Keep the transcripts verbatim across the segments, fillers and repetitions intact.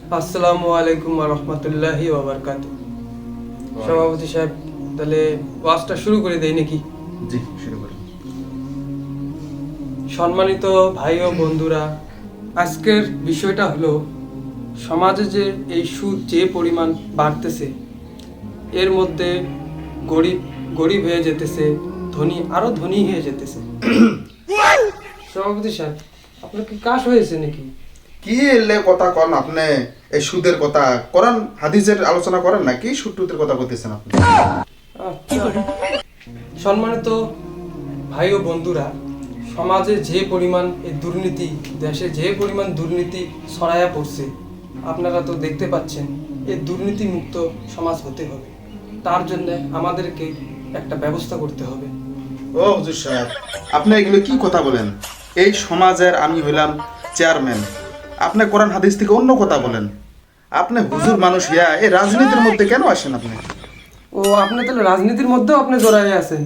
আসসালামু আলাইকুম ওয়া রাহমাতুল্লাহি ওয়া বারাকাতুহু। সভাপতি সাহেব, তাহলে ওয়াজটা শুরু করে দেই নাকি? জি, শুরু করুন। সম্মানিত ভাই ও বন্ধুরা, আজকের বিষয়টা হলো সমাজে যে এই সুদ যে পরিমাণ বাড়তেছে, এর মধ্যে গরিব গরিব হয়ে যেতেছে, ধনী আরো ধনী হয়ে যেতেছে। সভাপতি সাহেব, আপনার কি কাশ হয়েছে নাকি? কি এলে কথা কন আপনি? এই সুদের কথা কোরআন হাদিসের আলোচনা করেন না, কি সুদ টুদের কথা বলতেছেন আপনি? আচ্ছা, সম্মানিত ভাই ও বন্ধুরা, সমাজে যে পরিমাণ এই দুর্নীতি, দেশে যে পরিমাণ দুর্নীতি ছড়ায়া পড়ছে, আপনারা তো দেখতে পাচ্ছেন। এই দুর্নীতি মুক্ত সমাজ হতে হবে, তার জন্য আমাদেরকে একটা ব্যবস্থা করতে হবে। ও হুজুর সাহেব, আপনি এগুলো কি কথা বলেন? এই সমাজের আমি হইলাম চেয়ারম্যান, আপনি কোরআন হাদিস থেকে অন্য কথা বলেন। আপনি হুজুর মানুষ ইয়া এই রাজনীতির মধ্যে কেন আসেন আপনি? ও, আপনি তাহলে রাজনীতির মধ্যেও আপনি জড়াই আছেন?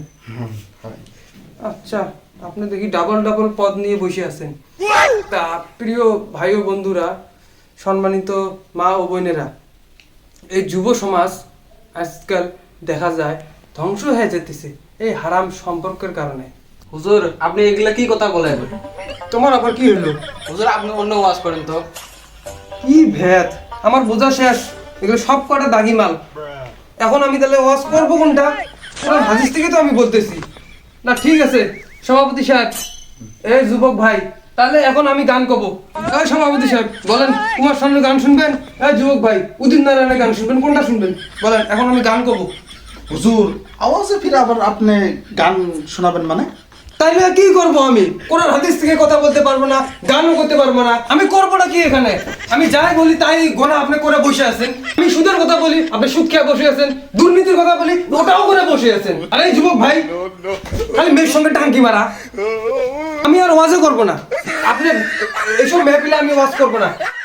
আচ্ছা, আপনি দেখি ডাবল ডাবল পদ নিয়ে বসে আছেন। তা প্রিয় ভাই ও বন্ধুরা, সম্মানিত মা ও বোনেরা, এই যুব সমাজ আজকাল দেখা যায় ধ্বংস হয়ে যেতেছে এই হারাম সম্পর্কের কারণে। হুজুর, আপনি এগুলা কি কথা বলেন? তোমার আবার কি হলো? হুজুর, আপনি অন্য ওয়াজ করেন তো। কি ভেদ, আমার বোঝা শেষ। এগুলো সব কটা দাগি মাল। এখন আমি তাহলে ওয়াজ করবো কোনটা? কোরআন হাদিস থেকে তো আমি বলতেছি না। ঠিক আছে সভাপতি সাহেব, এই যুবক ভাই, তাহলে এখন আমি গান করবো। এই সভাপতি সাহেব বলেন, কুমার শানুর গান শুনবেন? এই যুবক ভাই, উদিত নারায়ণের গান শুনবেন? কোনটা শুনবেন বলেন? এখন আমি গান করবো। হুজুর, আওয়াজে ফিরে আবার আপনি গান শোনাবেন মানে? তাইলে কি করবো আমি? কোরআন হাদিস থেকে কথা বলতে পারবো না, গানও করতে পারবো না, আমি করবোটা কি এখানে? আমি যাই বলি তাই গোনা আপনি করে বসে আছেন। আমি সুদের কথা বলি, আপনি সুদ খেয়ে বসে আছেন। দুর্নীতির কথা বলি, ওটাও করে বসে আছেন। আরে এই যুবক ভাই, খালি মেয়ের সঙ্গে টাঙ্কি মারা। আমি আর ওয়াজও করবো না। আপনি এইসব মেহফিলে আমি ওয়াজ করবো না।